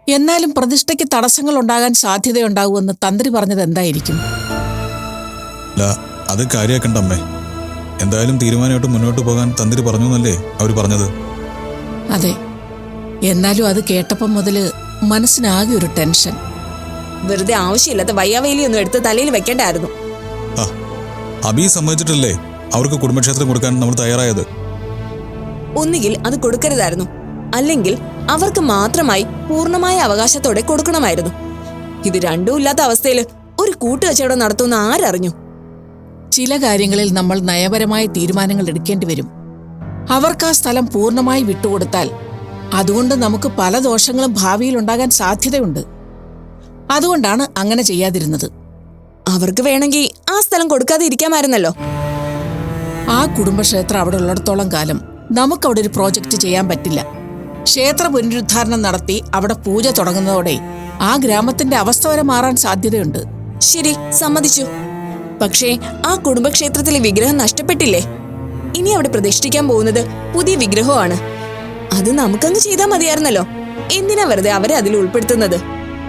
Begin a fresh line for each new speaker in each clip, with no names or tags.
എന്നാലും പ്രതിഷ്ഠയ്ക്ക് തടസ്സങ്ങൾ ഉണ്ടാകാൻ സാധ്യതയുണ്ടാകുമെന്ന് തന്ത്രി പറഞ്ഞത് എന്തായിരിക്കും?
അത് കാര്യാക്കണ്ട അമ്മേ. എന്തായാലും തീരുമാനമായിട്ട് മുന്നോട്ട് പോകാൻ തന്ത്രി പറഞ്ഞു എന്നല്ലേ അവർ പറഞ്ഞത്?
അതെ, എന്നാലും അത് കേട്ടപ്പം മുതല് മനസ്സിനാകെ ഒരു ടെൻഷൻ.
വെറുതെ ആവശ്യമില്ലാത്ത വയ്യാവേലിയൊന്നും എടുത്ത് തലയിൽ വെക്കേണ്ടായിരുന്നു.
അബി സമ്മതിച്ചിട്ടല്ലേ അവർക്ക് കുടുംബക്ഷേത്രം കൊടുക്കാൻ നമ്മൾ തയ്യാറായത്?
ഒന്നുകിൽ അത് കൊടുക്കരുതായിരുന്നു, അല്ലെങ്കിൽ അവർക്ക് മാത്രമായി പൂർണ്ണമായ അവകാശത്തോടെ കൊടുക്കണമായിരുന്നു. ഇത് രണ്ടും ഇല്ലാത്ത അവസ്ഥയിൽ ഒരു കൂട്ടുകച്ചവടം നടത്തുന്ന ആരറിഞ്ഞു?
ചില കാര്യങ്ങളിൽ നമ്മൾ നയപരമായ തീരുമാനങ്ങൾ എടുക്കേണ്ടി വരും. അവർക്ക് ആ സ്ഥലം പൂർണ്ണമായി വിട്ടുകൊടുത്താൽ അതുകൊണ്ട് നമുക്ക് പല ദോഷങ്ങളും ഭാവിയിൽ ഉണ്ടാകാൻ സാധ്യതയുണ്ട്. അതുകൊണ്ടാണ് അങ്ങനെ ചെയ്യാതിരുന്നത്.
അവർക്ക് വേണമെങ്കിൽ ആ സ്ഥലം കൊടുക്കാതെ ഇരിക്കാമായിരുന്നല്ലോ.
ആ കുടുംബക്ഷേത്രം അവിടെ ഉള്ളിടത്തോളം കാലം നമുക്കവിടെ ഒരു പ്രോജക്റ്റ് ചെയ്യാൻ പറ്റില്ല. ക്ഷേത്ര പുനരുദ്ധാരണം നടത്തി അവിടെ പൂജ തുടങ്ങുന്നതോടെ ആ ഗ്രാമത്തിന്റെ അവസ്ഥ വരെ മാറാൻ സാധ്യതയുണ്ട്.
ശരി, സമ്മതിച്ചു. പക്ഷേ ആ കുടുംബക്ഷേത്രത്തിലെ വിഗ്രഹം നഷ്ടപ്പെട്ടില്ലേ? ഇനി അവിടെ പ്രതിഷ്ഠിക്കാൻ പോകുന്നത് പുതിയ വിഗ്രഹമാണ്. അത് നമുക്കങ്ങ് ചെയ്താൽ മതിയായിരുന്നല്ലോ. എന്തിനാ വെറുതെ അവരെ അതിൽ ഉൾപ്പെടുത്തുന്നത്?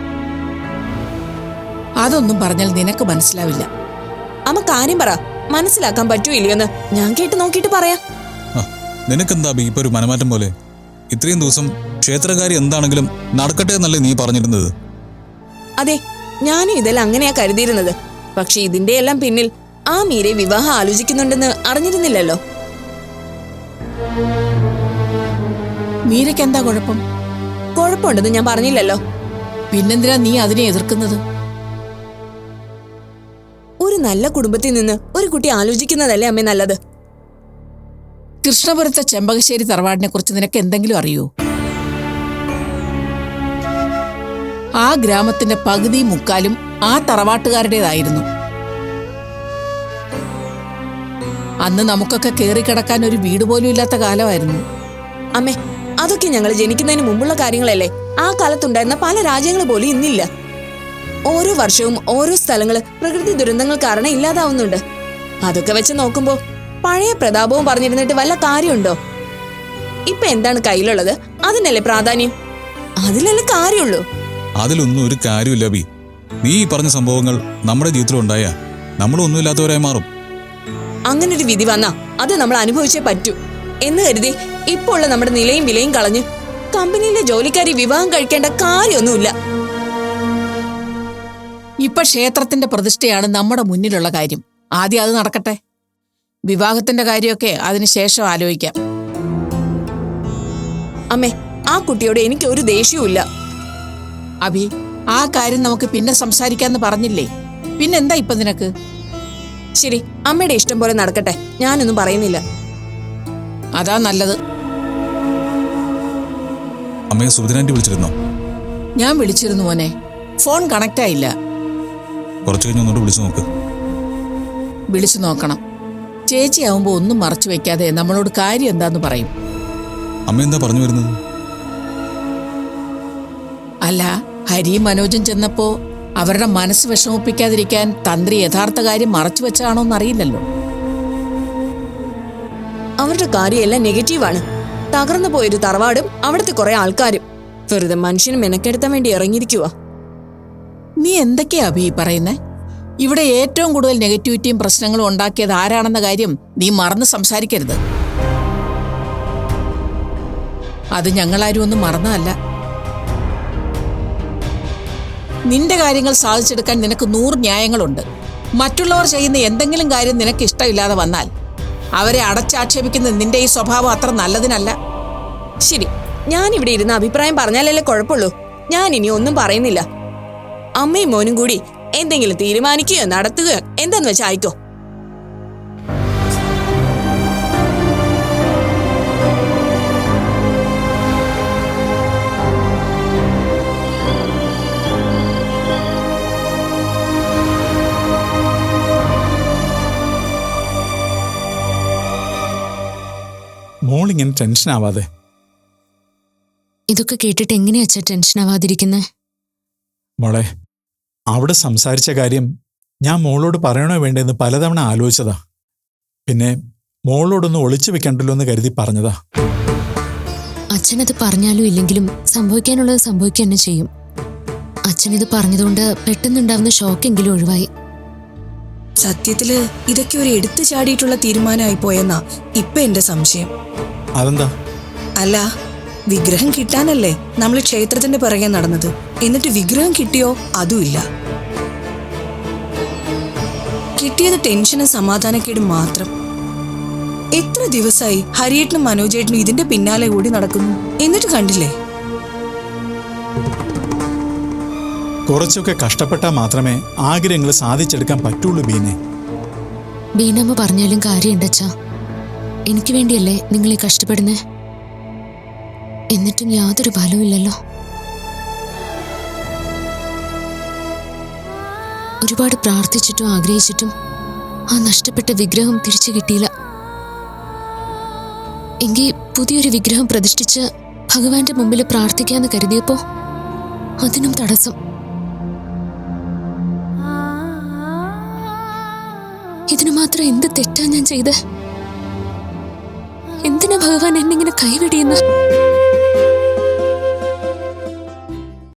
അതൊന്നും പറഞ്ഞാൽ നിനക്ക് മനസ്സിലാവില്ല.
അമ്മ കാര്യം പറ, മനസ്സിലാക്കാൻ പറ്റൂ ഇല്ലയോന്ന് ഞാൻ കേട്ട് നോക്കിയിട്ട് പറയാം.
നിനക്കെന്താ ഇപ്പൊ ഒരു മനമാറ്റം പോലെ? ഇത്രയും ദിവസം ക്ഷേത്രകാരി എന്താണെങ്കിലും നടക്കട്ടെ എന്നല്ലേ നീ പറഞ്ഞിരുന്നത്?
അതെ, ഞാനും ഇതെല്ലാം അങ്ങനെയാ കരുതിയിരുന്നത്. പക്ഷെ ഇതിന്റെ എല്ലാം പിന്നിൽ ആ മീരെ വിവാഹം ആലോചിക്കുന്നുണ്ടെന്ന് അറിഞ്ഞിരുന്നില്ലല്ലോ.
മീരയ്ക്ക് എന്താ കുഴപ്പം?
കുഴപ്പമുണ്ടെന്ന് ഞാൻ പറഞ്ഞില്ലല്ലോ.
പിന്നെന്തിനാ നീ അതിനെ എതിർക്കുന്നത്?
ഒരു നല്ല കുടുംബത്തിൽ നിന്ന് ഒരു കുട്ടി ആലോചിക്കുന്നതല്ലേ അമ്മേ നല്ലത്?
കൃഷ്ണപുരത്തെ ചെമ്പകശ്ശേരി തറവാടിനെ കുറിച്ച് നിനക്ക് എന്തെങ്കിലും അറിയോ? ആ ഗ്രാമത്തിന്റെ പകുതി മുക്കാലും ആ തറവാട്ടുകാരുടേതായിരുന്നു. അന്ന് നമുക്കൊക്കെ കേറിക്കിടക്കാൻ ഒരു വീട് പോലും ഇല്ലാത്ത കാലമായിരുന്നു.
അമ്മേ, അതൊക്കെ ഞങ്ങൾ ജനിക്കുന്നതിന് മുമ്പുള്ള കാര്യങ്ങളല്ലേ. ആ കാലത്തുണ്ടായിരുന്ന പല രാജ്യങ്ങൾ പോലും ഇന്നില്ല. ഓരോ വർഷവും ഓരോ സ്ഥലങ്ങള് പ്രകൃതി ദുരന്തങ്ങൾ കാരണം ഇല്ലാതാവുന്നുണ്ട്. അതൊക്കെ വെച്ച് നോക്കുമ്പോ പഴയ പ്രതാപവും പറഞ്ഞിരുന്നിട്ട് വല്ല കാര്യമുണ്ടോ? ഇപ്പൊ എന്താണ് കയ്യിലുള്ളത്? അതിനല്ലേ പ്രാധാന്യം. അതിലല്ലേ കാര്യമുള്ളൂ.
അതിലൊന്നും ഒരു കാര്യമില്ല ബി. നീ പറഞ്ഞ സംഭവങ്ങൾ നമ്മുടെ ജീവിതത്തിലുണ്ടായ നമ്മളൊന്നുമില്ലാത്തവരായി മാറും.
അങ്ങനൊരു വിധി വന്നാ അത് നമ്മൾ അനുഭവിച്ചേ പറ്റൂ എന്ന് കരുതി ഇപ്പോൾ ഉള്ള നമ്മുടെ നിലയും വിലയും കളഞ്ഞ് കമ്പനിയിലെ ജോലിക്കാരി വിവാഹം കഴിക്കേണ്ട കാര്യമൊന്നുമില്ല.
ഇപ്പൊ ക്ഷേത്രത്തിന്റെ പ്രതിഷ്ഠയാണ് നമ്മുടെ മുന്നിലുള്ള കാര്യം. ആദ്യം അത് നടക്കട്ടെ. വിവാഹത്തിന്റെ കാര്യമൊക്കെ അതിനുശേഷം ആലോചിക്കാം.
അമ്മേ, ആ കുട്ടിയോട് എനിക്ക് ഒരു ദേഷ്യവുമില്ല.
അഭി, ആ കാര്യം നമുക്ക് പിന്നെ സംസാരിക്കാന്ന് പറഞ്ഞില്ലേ? പിന്നെന്താ ഇപ്പൊ നിനക്ക്?
ശരി, അമ്മയുടെ ഇഷ്ടം പോലെ നടക്കട്ടെ. ഞാനൊന്നും പറയുന്നില്ല.
അതാ നല്ലത്.
അമ്മയെ സുഭദ്രാന്റി വിളിച്ചിരുന്നോ?
ഞാൻ വിളിച്ചിരുന്നു മോനെ, ഫോൺ കണക്റ്റ് ആയില്ല.
കുറച്ചു കഴിഞ്ഞ് ഒന്നുകൂടെ വിളിച്ചു നോക്ക്.
വിളിച്ചു നോക്കണം. ചേച്ചിയാവുമ്പോ ഒന്നും മറച്ചു വെക്കാതെ നമ്മളോട് കാര്യം എന്താന്ന് പറയും.
അമ്മ എന്താ പറഞ്ഞു വരുന്നത്?
അല്ല, ഹരിയും മനോജും ചെന്നപ്പോ അവരുടെ മനസ്സ് വിഷമിപ്പിക്കാതിരിക്കാൻ തന്ത്രി യഥാർത്ഥ കാര്യം മറച്ചു വെച്ചാണോന്ന് അറിയില്ലല്ലോ.
അവരുടെ കാര്യമെല്ലാം നെഗറ്റീവാണ്. തകർന്നു പോയൊരു തറവാടും അവിടുത്തെ കുറെ ആൾക്കാരും വെറുതെ മനുഷ്യന് മെനക്കെടുത്താൻ വേണ്ടി ഇറങ്ങിയിരിക്കുക.
നീ എന്തൊക്കെയാ അഭി പറയുന്നേ? ഇവിടെ ഏറ്റവും കൂടുതൽ നെഗറ്റിവിറ്റിയും പ്രശ്നങ്ങളും ഉണ്ടാക്കിയത് ആരാണെന്ന കാര്യം നീ മറന്ന് സംസാരിക്കരുത്. അത് ഞങ്ങളാരും ഒന്നും മറന്നതല്ല. നിന്റെ കാര്യങ്ങൾ സാധിച്ചെടുക്കാൻ നിനക്ക് 100 ന്യായങ്ങളുണ്ട്. മറ്റുള്ളവർ ചെയ്യുന്ന എന്തെങ്കിലും കാര്യം നിനക്ക് ഇഷ്ടമില്ലാതെ വന്നാൽ അവരെ അടച്ചാക്ഷേപിക്കുന്ന നിന്റെ ഈ സ്വഭാവം അത്ര നല്ലതിനല്ല.
ശരി, ഞാൻ ഇവിടെ ഇരുന്ന് അഭിപ്രായം പറഞ്ഞാലല്ലേ കുഴപ്പമുള്ളൂ. ഞാൻ ഇനി ഒന്നും പറയുന്നില്ല. അമ്മയും മോനും കൂടി എന്തെങ്കിലും തീരുമാനിക്കുകയോ നടത്തുകയോ എന്താന്ന് വെച്ചാൽ ആയിക്കോ.
മോളിങ്ങനെ ടെൻഷൻ ആവാതെ.
ഇതൊക്കെ കേട്ടിട്ട് എങ്ങനെയാ അച്ഛാ ടെൻഷൻ ആവാതിരിക്കുന്നേ?
മോളെ, അവിടെ സംസാരിച്ച കാര്യം ഞാൻ മോളോട് പറയണോ വേണ്ടെന്ന് പലതവണ ആലോചിച്ചതാ. പിന്നെ മോളോടൊന്ന് ഒളിച്ചു വെക്കണ്ടല്ലോ എന്ന് കരുതി പറഞ്ഞതാ.
അച്ഛനത് പറഞ്ഞാലും ഇല്ലെങ്കിലും സംഭവിക്കാനുള്ളത് സംഭവിക്കുക തന്നെ ചെയ്യും. അച്ഛനിത് പറഞ്ഞതുകൊണ്ട് പെട്ടെന്നുണ്ടാവുന്ന ഷോക്കെങ്കിലും ഒഴിവായി.
സത്യത്തില് ഇതൊക്കെ ഒരു എടുത്തു ചാടിയിട്ടുള്ള തീരുമാനമായി പോയെന്നാ ഇപ്പൊ എന്റെ സംശയം.
അതെന്താ?
അല്ല, വിഗ്രഹം കിട്ടാനല്ലേ നമ്മൾ ക്ഷേത്രത്തിന്റെ പിറകെ നടന്നത്. എന്നിട്ട് വിഗ്രഹം കിട്ടിയോ? അതുമില്ല. കിട്ടിയത് ടെൻഷനും സമാധാനക്കേടും മാത്രം. എത്ര ദിവസമായി ഹരിയേട്ടനും മനോജേട്ടനും ഇതിന്റെ പിന്നാലെ കൂടി നടക്കുന്നു. എന്നിട്ട് കണ്ടില്ലേ?
കുറച്ചൊക്കെ കഷ്ടപ്പെട്ടാൽ മാത്രമേ ആഗ്രഹങ്ങൾ സാധിച്ചെടുക്കാൻ പറ്റുള്ളൂ ബീനെ.
ബീനമ്മ പറഞ്ഞാലും കാര്യമുണ്ടച്ചാ. എനിക്ക് വേണ്ടിയല്ലേ നിങ്ങൾ ഈ കഷ്ടപ്പെടുന്നേ? എന്നിട്ടും യാതൊരു ഫലവുമില്ലല്ലോ. ഒരുപാട് പ്രാർത്ഥിച്ചിട്ടും ആഗ്രഹിച്ചിട്ടും ആ നഷ്ടപ്പെട്ട വിഗ്രഹം തിരിച്ചു കിട്ടിയില്ല. എങ്കിൽ പുതിയൊരു വിഗ്രഹം പ്രതിഷ്ഠിച്ച് ഭഗവാന്റെ മുമ്പിൽ പ്രാർത്ഥിക്കാന്ന് കരുതിയപ്പോ അതിനും തടസ്സം. ഇതിനു മാത്രം എന്ത് തെറ്റാ ഞാൻ ചെയ്ത്? എന്തിനാ ഭഗവാൻ എന്നിങ്ങനെ കൈവെടിയെന്ന്?